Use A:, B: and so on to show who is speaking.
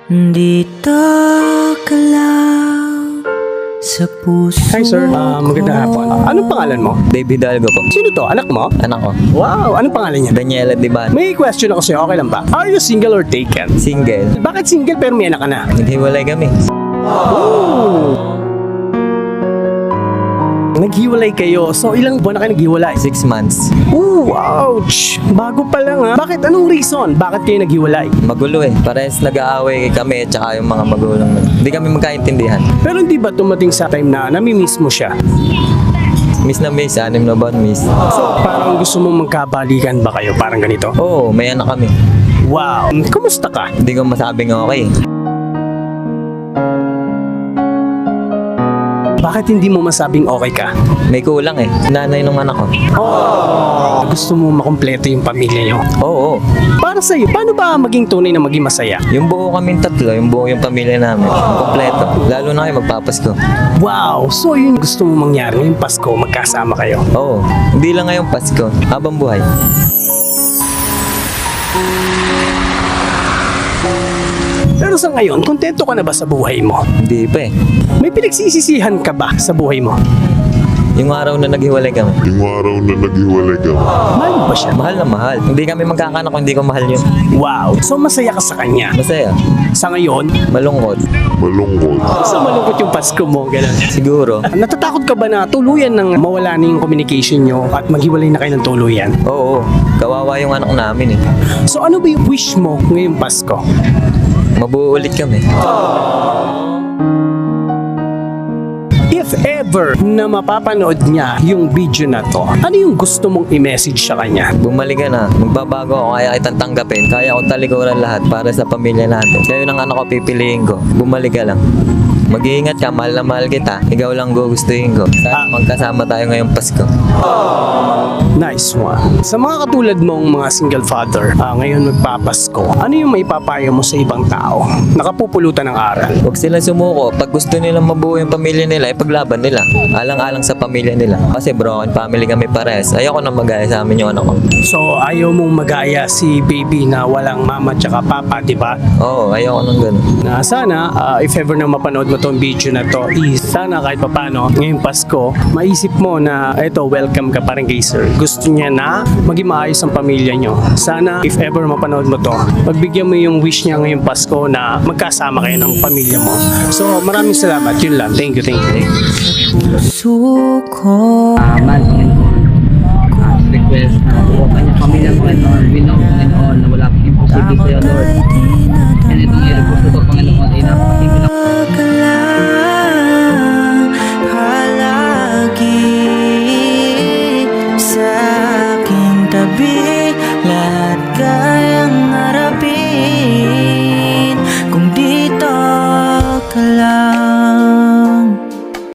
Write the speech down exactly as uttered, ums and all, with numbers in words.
A: Dito ka lang sa puso.
B: Hi sir, Ah, magandang hapon. Anong pangalan mo?
C: David Dalgo po.
B: Sino to? Anak mo?
C: Anak ko.
B: Wow, anong pangalan niya?
C: Daniela Diban.
B: May question ako sa'yo, okay lang ba? Are you single or taken?
C: Single.
B: Bakit single pero may anak ka na?
C: Naghiwalay kami.
B: Naghiwalay kayo. So, ilang buwan na kayo naghiwalay?
C: Six months.
B: Ooh, ouch! Bago pa lang ha. Bakit? Anong reason? Bakit kayo naghiwalay?
C: Magulo eh. Parehas nag-aaway kami at saka yung mga magulang mo. Hindi kami magkaintindihan.
B: Pero hindi ba tumating sa time na namimiss mo siya?
C: Miss na miss, anim na buwan miss.
B: So, parang gusto mong magkabalikan ba kayo? Parang ganito?
C: Oo, may anak kami.
B: Wow! Kumusta ka?
C: Hindi ko masabing okay.
B: Bakit hindi mo masabing okay ka?
C: May kulang eh. Nanay ng anak ko.
B: Oh, gusto mo makumpleto yung pamilya nyo.
C: Oo, oo.
B: Para sa'yo, paano ba maging tunay na maging masaya?
C: Yung buo kaming tatlo, yung buo yung pamilya namin. Kompleto. Lalo na kayo magpapasko.
B: Wow! So yun gusto mo mangyari ngayong Pasko, magkasama kayo.
C: Oo. Hindi lang ngayong Pasko. Habang buhay.
B: Pero sa ngayon, kontento ka na ba sa buhay mo?
C: Hindi pa eh.
B: May pinagsisisihan ka ba sa buhay mo?
C: Yung araw na naghiwalay kami.
D: Yung araw na naghiwalay ka,
B: Mahal mo ba siya?
C: Mahal na mahal. Hindi kami magkakanak kung hindi ko mahal yun.
B: Wow! So masaya ka sa kanya.
C: Masaya.
B: Sa ngayon,
C: Malungkot.
D: malungkot.
B: sa malungkot yung Pasko mo, gano'n.
C: Siguro.
B: Natatakot ka ba na tuluyan ng mawala na yung communication nyo at maghiwalay na kayo ng tuluyan?
C: Oo. Kawawa yung anak namin eh.
B: So ano ba yung wish mo ngayong Pasko?
C: Mabuo ulit kami.
B: If ever na mapapanood niya yung video na to, ano yung gusto mong i-message sa kanya?
C: Bumalik ka na. Magbabago ako. Kaya kitang tanggapin. Kaya ko talikuran lahat para sa pamilya natin. Kayo ng anak ko pipiliin ko. Bumalik ka lang. Mag-iingat ka. Mahal na mahal kita. Ikaw lang gugustuhin ko. Sana magkasama tayo ngayong Pasko.
B: Nice one. Sa mga katulad mong mga single father, ah, ngayon magpapasko, ano yung maipapayo mo sa ibang tao? Nakapupulutan ng aral.
C: Huwag sila sumuko. Pag gusto nilang mabuo yung pamilya nila, ipaglaban nila. Alang-alang sa pamilya nila. Kasi broken family kami pares. Ayoko na magaya sa amin yung anak ko.
B: So, ayaw mong magaya si baby na walang mama tsaka papa, di ba?
C: Oo, ayoko nang ganun.
B: Na sana, ah, if ever na mapanood mo tong video na to, is sana kahit papano, ngayong Pasko, maisip mo na eto, welcome ka parang kay sir. Gusto niya na maging maayos ang pamilya nyo. Sana, if ever mapanood mo to, pagbigyan mo yung wish niya ngayong Pasko na magkasama kayo ng pamilya mo. So, maraming salamat. Yun lang. Thank you, thank you. Thank you.
A: Suko.
E: uh, man and all uh, request na buo kanyang pamilya mo and all we know and all na wala pong imposible sa'yo Lord and itong i-request